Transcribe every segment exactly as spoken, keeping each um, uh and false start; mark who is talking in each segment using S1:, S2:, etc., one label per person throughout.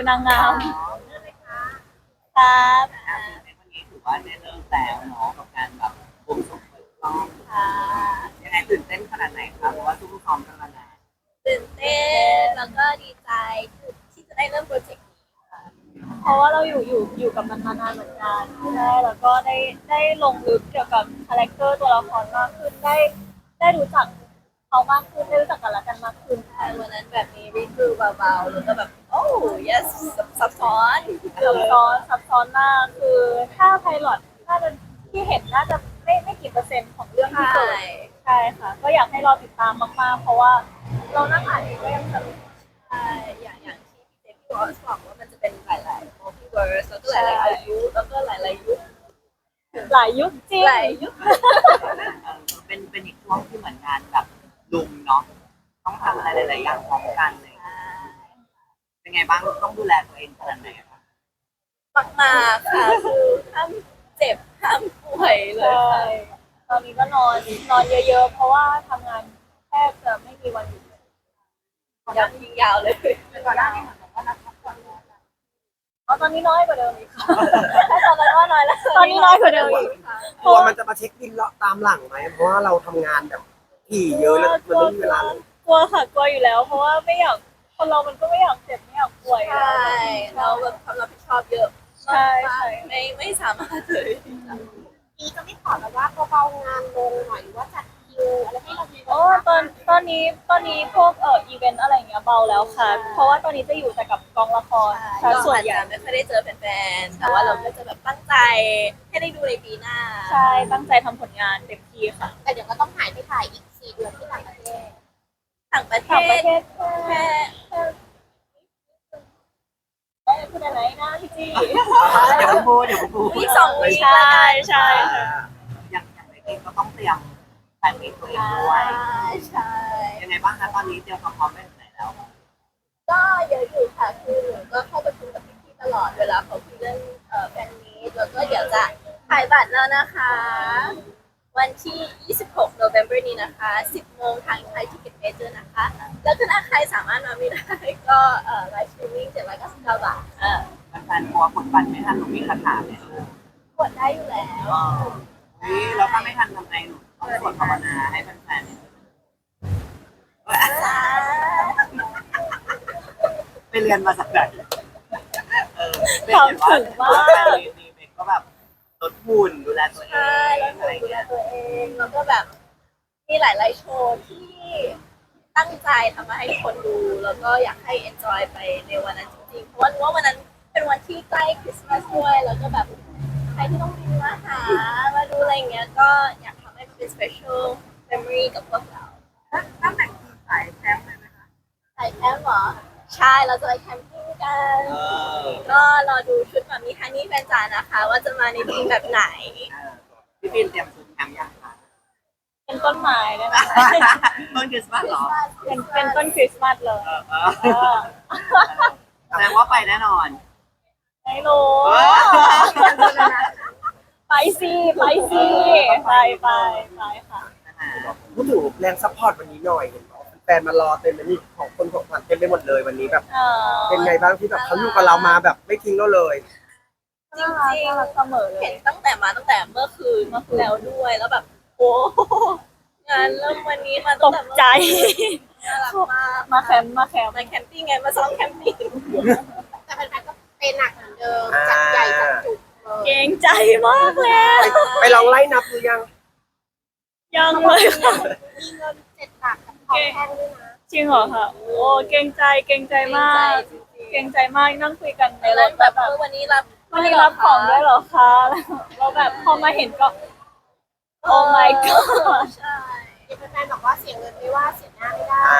S1: นางงามครับ
S2: ในวันนี้ถือว่าได้เริ่มแล้วเนาะกับการแบบบวงสรวงเปิดกล้อง
S1: ค่ะ
S2: ยังไงตื่นเต้นขนาดไหนคะเพราะว่าซุ่มซ้อมกันมานาน
S1: ตื่นเต้นแล้วก็ดีใจที่จะได้เริ่มโปรเจกต์นี้ค่ะเพราะว่าเราอยู่อยู่อยู่กับมันมานานเหมือนกันใช่แล้วก็ได้ได้ลงลึกเกี่ยวกับคาแรคเตอร์ตัวละครมากขึ้นได้ได้รู้จักเขามากขึ้นได้รู้จักกันและกันมากขึ้นใช่วันนั้นแบบนี้รีวิวเบาๆแล้วก็แบบโอ้ yes ซับซ้อนซับซ้อนซับซ้อนมากคือถ้าไพลอตน่าจะที่เห็นน่าจะไม่ไม่กี่เปอร์เซ็นต์ของเรื่องที่เกิดใช่ค่ะก็อยากให้รอติดตามมากๆเพราะว่าเรานั่งอ่านเองก็ยังสนุกใช่อย่างอย่างที่พี่เจพี่วอสบอกว่ามันจะเป็นหลายๆ multiverse แล้วก็หลายๆอายุแล้วก็หลายๆยุคหลายยุคจริงหลายยุค
S2: เป็นเป็นอีกช่วงที่เหมือนงานแบบลุมเนาะต้องทำอะไรหลายๆอย่างพร้อมกันเลยเป็นไงบ้างต้องดูแลตัวเองขนาดไหนคะ
S1: มากๆค่ะคือห้ามเจ็บห้ามป่วยเลยค่ะตอนนี้ก็นอนนอนเยอะๆเพราะว่าทำงานแทบจะไม่มีวันหยุดยาวยิงยาวเลยก่อนหน้านี้เหมือนกับว่านักพักผ่อนน้อยอ๋อตอนนี้น้อยกว่าเดิมอีกค่ะตอนนั้นว่าน้อยแล้วตอนนี้น้อยกว่าเดิมอีกค่ะ
S3: กลัวมันจะมาเช็คบินเลาะตามหลังไหมเพราะว่าเราทำงานแบบถี่เยอะแล้วมันไม่มีเวลาเลย
S1: กลัวค่ะกลัวอยู่แล้ว เพราะว่าไม่อยากคนเรามันก็ไม่อยากเจ็บไม่อยากป่วยใช่เราแบบความรับผิดชอบเยอะใช่ใช่ไม่ไม่สามารถเลย
S4: นี้จะไม่ขอแบบว่าเบาๆงานลงหน่อยหรือว่าจัดคิวอะไรให้เรามี
S1: โอ้ตอนตอนนี้ตอนนี้พวกเอ่ออีเวนต์อะไรอย่างเงี้ยเบาแล้วค่ะเพราะว่าตอนนี้จะอยู่แต่กับกองละครใช่ส่วนใหญ่ไม่ค่อยได้เจอแฟนๆแต่ว่าเราก็จะแบบตั้งใจให้ได้ดูในปีหน้าใช่ตั้งใจทำผลงานเต็มที่ค่ะ
S4: แต่เดี๋ยวก็ต้องหายไปถ่ายอีกสี่เดือนที่ต่างประเทศ
S1: ต่างประเทศต่างประเทศแค่ได้พูดอะไรนะพี่จี้
S2: เดี๋ยวพูดเดี๋ยวพูด
S1: อีกสองวีใช่ใช่
S2: อย่างอย่างในเองก็ต้องเตรียมแฟนมีตัวเองด้วย
S1: ใช่
S2: ยังไงบ้างคะตอนนี้เตรียมความพร้อมไปถึงไหนแล้ว
S1: ก็เยอะอยู่ค่ะคือหนูก็เข้าประชุมกับพี่ๆตลอดเวลาเขาคุยเรื่องเอ่อแฟนมีตแล้วก็เดี๋ยวจะขายบัตรแล้วนะคะวันที่ยี่สิบหก November นี้นะคะสิบโมงทางไทยทิเก็ตเมเจอร์นะคะแล้วถ้าใครสามารถมาไม่ได้ก็เอ่อไลฟ์สตรีมมิ่งเจ็ดร้อยเก้าสิบเก้าบาทเออ
S2: แฟนๆกลัวกดบัตรไม่ทันหนูมีคาถาไหม
S1: กดได้อยู่แล้ว
S2: นี่เราถ้าไม่ทันทำไงหนูต้องสวดภาวนาให้แฟนๆไปเรียนมาสักไหนเออ
S1: ทำถึงมาก
S2: นี่เบกก็แบบลดหุ่นดูแลตัวเอง
S1: อะไรดูแลตัวเองแล้วก็แบบมีหลายๆโชว์ที่ตั้งใจทำมาให้คนดูแล้วก็อยากให้ enjoy ไปในวันนั้นจริงๆเพราะว่ารู้ว่าวันนั้นเป็นวันที่ใกล้คริสต์มาสด้วยแล้วก็แบบใครที่ต้องบินมาหามาดูอะไรเงี้ยก็อยากทำให้เป็น special memory กับพวกเรา
S4: ตั้งแต่สายแคมป์เลยไหมคะ
S1: สายแคมป์เหรอใช่เราจะไปแคมปิ้งกันก็รอดูชุดแบบมีฮันนี่แฟนจ๋านะคะว่าจะมาในธีมแบบไหน
S2: พี่ปินเตรียมชุดแคมป์ยังคะ
S1: เป็นต้นไม้ได้ไหม
S2: ต้นคริสต์มาสเหรอ
S1: เป็นเป็นต้นคริสต์มาสเลย
S2: แสดงว่าไปแน่นอน
S1: ไม่รู้ไปสิไปสิไปไปไปค่ะ
S3: พูดถึงแรงซัพพอร์ตวันนี้หน่อยแฟนมารอเต็มเลยนี่ของคนของขวัญเต็มไปหมดเลยวันนี้แบบเป็นไงบ้างที่แบบเขาอยู่กับเรามาแบบไม่ทิ้งเราเลย
S1: จริงจริงเสมอเห็นตั้งแต่มาตั้งแต่เมื่อคืนเมื่อคืนแล้วด้วยแล้วแบบโอ้งานเริ่มวันนี้มาตกใจน่ารักมากมาแคมป์มาแคมป์มาแคมปิ้งไงมาซ้อมแคมปิ้ง
S4: แต่แฟนๆก็เป็นหนักเหมือนเดิมจัดใหญ่จัดจุก
S1: เก่งใจมากเลย
S3: ไปลองไล่นับหรือยัง
S1: ยังเลยค่ะ
S4: มีเงินเจ็ดหลักกับของแพงด้วยนะ
S1: จริงเหรอคะโอ้เก่งใจเก่งใจมากเก่งใจมากนั่งคุยกันในรถแบบวันนี้รับวันนี้รับของด้วยเหรอคะเราแบบพอมาเห็นก็โอ้ my god ใช่
S4: แฟนๆบอกว่าเสียเงินไม่ว่าเสียหน้าไม่ได้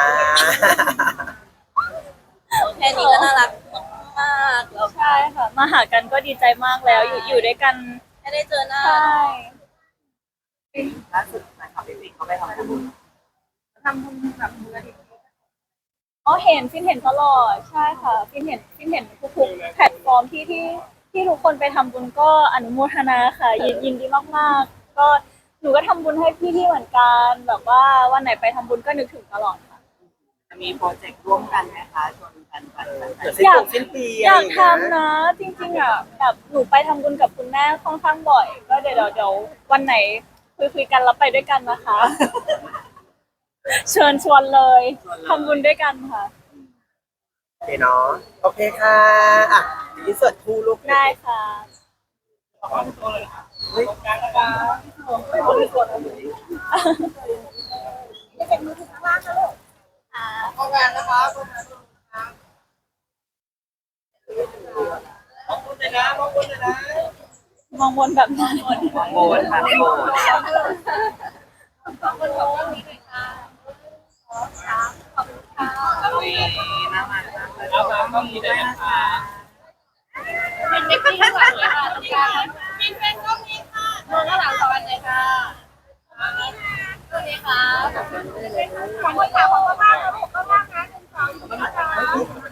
S1: แค่นี้ก็น่ารักมากแล้วใช่ค่ะมาหากันก็ดีใจมากแล้วอยู่อยู่ด้วยกันไม่ได้เจอหน้าใช่
S2: ล่าสุดนะครับพี่ปิงเขาไปทำบุญ
S4: ทำบุญแบบมูลนิธิ
S1: อ๋อเห็นฟินเห็นตลอดใช่ค่ะฟินเห็นฟินเห็นทุกๆแพลตฟอร์มที่ที่ที่ทุกคนไปทำบุญก็อนุโมทนาค่ะยินยินดีมากๆก็หนูก็ทำบุญให้พี่ๆเหมือนกันแบบว่าวันไหนไปทำบุญก็นึกถึงตลอดค่ะ
S2: จะมีโปรเจกต์ร่วมกันไหมคะชวนกันไป
S3: เดี๋ยวสิ้นปีสิ้นปี
S1: อยาก
S3: ะไรงเงี้
S1: ทำนะ จริงๆอ่ะแบบหนูไปทำบุญกับคุณแม่ค่อนข้างบ่อย ก็เดี๋ยวเดี๋ยวเดี๋ยววันไหนคุยคุยๆกันแล้วไปด้วยกันนะคะ เชิญชวนเลยทำบุญด้วยกันค่ะ
S3: โอเคเนาะโอเคค่ะอ่ะอินเสิร์ตคู่ลูก
S1: ได้ค่ะ
S3: เฮ้ย
S4: จะเป็นมือถือข้างล่างนะลูก
S3: ทำงานนะคะมองคุณเลยนะมองคุณเลยนะ
S1: มองบนแบบนั้น
S2: โบนค่ะโบน
S1: ขอบคุณขอบคุณนี้ด้วยค่ะขอบคุณค่ะ
S2: อุ้ยน่ารักมากเลยน่ารักต้องมีด้วยนะคะ
S1: เป็นเด็กที่ข้างหลังเลยค่ะตรงกลางมีเป็นก็มีค่ะมองข้างหลังสองอันเลยค่ะสวัสดีค่ะ
S4: ขอบคุณค่ะขอบคุณมากนะลูกก็มากนะหนึ่งสองสาม